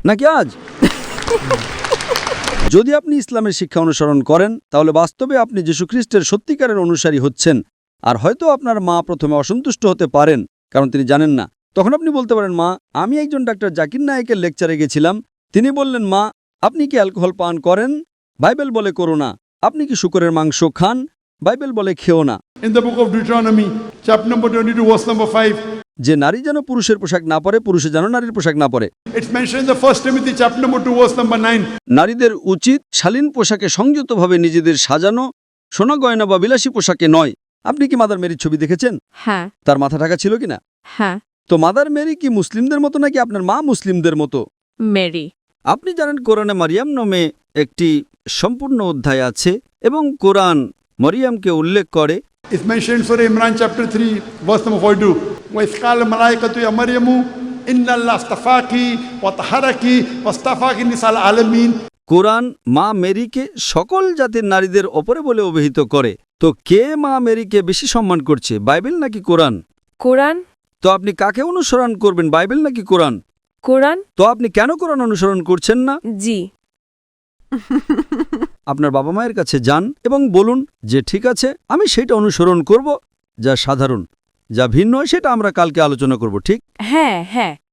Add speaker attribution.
Speaker 1: নাকি আজ? যদি আপনি ইসলামের শিক্ষা অনুসরণ করেন তাহলে বাস্তবে আপনি যীশু খ্রিস্টের সত্যিকারের অনুসারী হচ্ছেন। আর হয়তো আপনার মা প্রথমে অসন্তুষ্ট হতে পারেন, কারণ তিনি জানেন না। তখন আপনি বলতে পারেন, মা, আমি একজন ডাক্তার জাকির নায়েকের লেকচারে গেছিলাম। তিনি বললেন, মা, আপনি কি অ্যালকোহল পান করেন? বাইবেল বলে করো না। আপনি কি শূকরের মাংস খান? বাইবেল বলে খেও না।
Speaker 2: In the book of Deuteronomy, chapter number 22, verse number 5,
Speaker 1: যে নারী যেন পুরুষের পোশাক না পরে, পুরুষে যেন নারীর পোশাক না পরে।
Speaker 2: it's mentioned in the 1 Timothy, chapter number 2, verse number 9.
Speaker 1: নারীদের উচিত শালীন পোশাকে সংযতভাবে নিজেদের সাজানো, সোনা গয়না বা বিলাসী পোশাকে নয়। আপনি কি মাদার মেরির ছবি দেখেছেন?
Speaker 3: হ্যাঁ
Speaker 1: তার মাথা ঢাকা ছিল কিনা?
Speaker 3: হ্যাঁ।
Speaker 1: তো মাদার মেরি কি মুসলিমদের মতো নাকি আপনার মা মুসলিমদের মতো?
Speaker 3: মেরি।
Speaker 1: আপনি জানেন কোরআনে মারিয়াম নামে একটি সম্পূর্ণ অধ্যায় আছে এবং কোরআন মরিয়ামকে উল্লেখ করে।
Speaker 2: It's mentioned in Surah Imran, chapter 3, verse number 42. وَإِذْ قَالَ الْمَلَائِكَةُ يَا مَرْيَمُ إِنَّ اللَّهَ اصْطَفَاكِ وَطَهَّرَكِ وَاصْطَفَاكِ نِسَاءَ الْعَالَمِينَ.
Speaker 1: কোরআন মা মেরিকে সকল জাতির নারীদের ওপরে বলে অভিহিত করে। তো কে মা মেরিকে বেশি সম্মান করছে, বাইবেল নাকি কোরআন?
Speaker 3: কোরআন।
Speaker 1: তো আপনি কাকে অনুসরণ করবেন, বাইবেল নাকি কোরআন?
Speaker 3: কোরআন।
Speaker 1: তো আপনি কেন কোরআন অনুসরণ করছেন না?
Speaker 3: জি।
Speaker 1: আপনার বাবা মায়ের কাছে যান এবং বলুন যে ঠিক আছে, আমি সেটা অনুসরণ করব যা সাধারণ, যা ভিন্ন সেটা আমরা কালকে আলোচনা করব, ঠিক?
Speaker 3: হ্যাঁ হ্যাঁ।